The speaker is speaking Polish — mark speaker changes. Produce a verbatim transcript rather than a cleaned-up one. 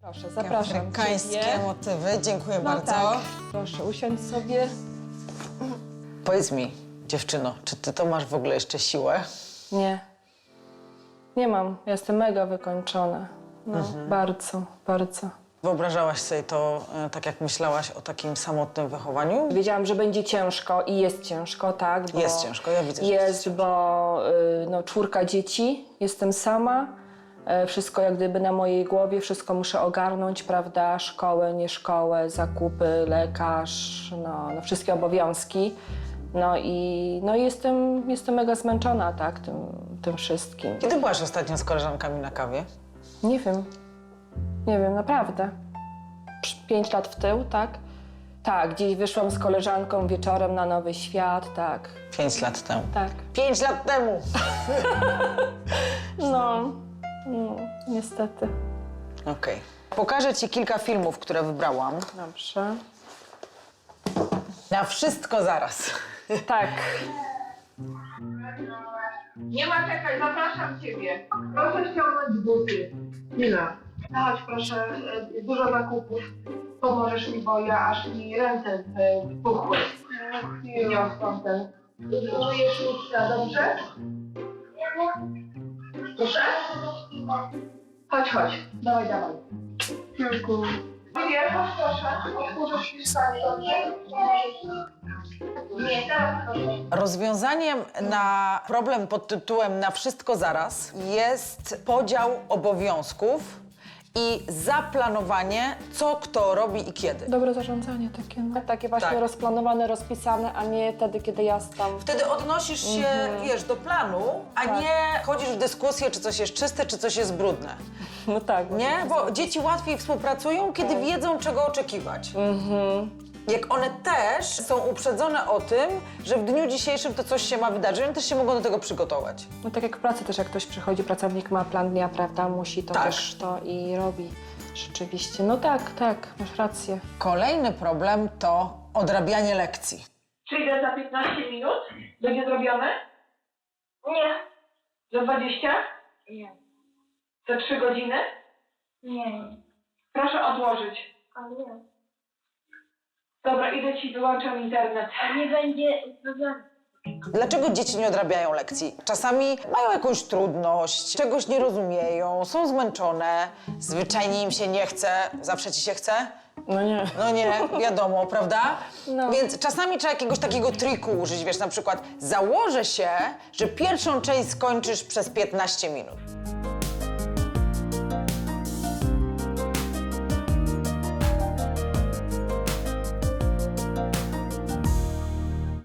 Speaker 1: Proszę, zapraszam
Speaker 2: Afrykańskie
Speaker 1: ciebie.
Speaker 2: motywy, dziękuję
Speaker 1: No
Speaker 2: bardzo.
Speaker 1: tak. Proszę, usiądź sobie.
Speaker 2: Powiedz mi, dziewczyno, czy ty to masz w ogóle jeszcze siłę?
Speaker 1: Nie. Nie mam. Jestem mega wykończona. No, bardzo, bardzo.
Speaker 2: Wyobrażałaś sobie to e, tak, jak myślałaś o takim samotnym wychowaniu?
Speaker 1: Wiedziałam, że będzie ciężko i jest ciężko, tak? Bo
Speaker 2: Jest ciężko, ja widzę, że
Speaker 1: Jest,
Speaker 2: jest
Speaker 1: bo y, no, czwórka dzieci, jestem sama. E, Wszystko jak gdyby na mojej głowie, wszystko muszę ogarnąć, prawda? Szkołę, nie szkołę, zakupy, lekarz, no, no wszystkie obowiązki. No i, no i jestem, jestem mega zmęczona, tak, tym, tym wszystkim.
Speaker 2: Kiedy byłaś ostatnio z koleżankami na kawie?
Speaker 1: Nie wiem, nie wiem, naprawdę. Psz, Pięć lat w tył, tak? Tak, gdzieś wyszłam z koleżanką wieczorem na Nowy Świat, tak,
Speaker 2: Pięć lat temu.
Speaker 1: tak.
Speaker 2: Pięć lat temu!
Speaker 1: No, no niestety.
Speaker 2: Okej. Pokażę ci kilka filmów, które wybrałam.
Speaker 1: Dobrze.
Speaker 2: Na wszystko zaraz.
Speaker 1: Tak.
Speaker 3: Nie ma czekać, zapraszam ciebie. Proszę ściągnąć buty. Nina, chodź proszę, e, dużo zakupów. Pomożesz mi, bo ja aż mi ręce e, puchły. Niosłam ten. Użyjesz lustra, dobrze? Proszę? Chodź, chodź. Dawaj, dawaj. Dziękuję. Nie, chodź proszę. Otworzysz mi stanie, dobrze? Nie, teraz proszę.
Speaker 2: Rozwiązaniem na problem pod tytułem Na wszystko zaraz jest podział obowiązków i zaplanowanie, co kto robi i kiedy.
Speaker 1: Dobre zarządzanie takie, no. Takie właśnie
Speaker 2: Tak.
Speaker 1: rozplanowane, rozpisane, a nie wtedy, kiedy ja tam...
Speaker 2: Wtedy odnosisz się, wiesz, do planu, a
Speaker 1: Tak.
Speaker 2: nie chodzisz w dyskusję, czy coś jest czyste, czy coś jest brudne.
Speaker 1: No tak.
Speaker 2: Nie? Bo dzieci łatwiej współpracują, kiedy wiedzą, czego oczekiwać. Jak one też są uprzedzone o tym, że w dniu dzisiejszym to coś się ma wydarzyć, one też się mogą do tego przygotować.
Speaker 1: No tak jak w pracy też, jak ktoś przychodzi, pracownik ma plan dnia, prawda, musi to
Speaker 2: Tak.
Speaker 1: też to i robi. Rzeczywiście. No tak, tak, masz rację.
Speaker 2: Kolejny problem to odrabianie lekcji.
Speaker 3: Przyjdę za piętnaście minut? Będzie zrobione?
Speaker 4: Nie,
Speaker 3: Za dwadzieścia?
Speaker 4: nie,
Speaker 3: Za trzy godziny?
Speaker 4: nie,
Speaker 3: Proszę odłożyć.
Speaker 4: a nie.
Speaker 3: Dobra, idę ci, wyłączam internet.
Speaker 4: A nie będzie problemu.
Speaker 2: Dlaczego dzieci nie odrabiają lekcji? Czasami mają jakąś trudność, czegoś nie rozumieją, są zmęczone, zwyczajnie im się nie chce. Zawsze ci się chce?
Speaker 1: No nie.
Speaker 2: No nie, wiadomo, prawda?
Speaker 1: No.
Speaker 2: Więc czasami trzeba jakiegoś takiego triku użyć, wiesz, na przykład założę się, że pierwszą część skończysz przez piętnaście minut.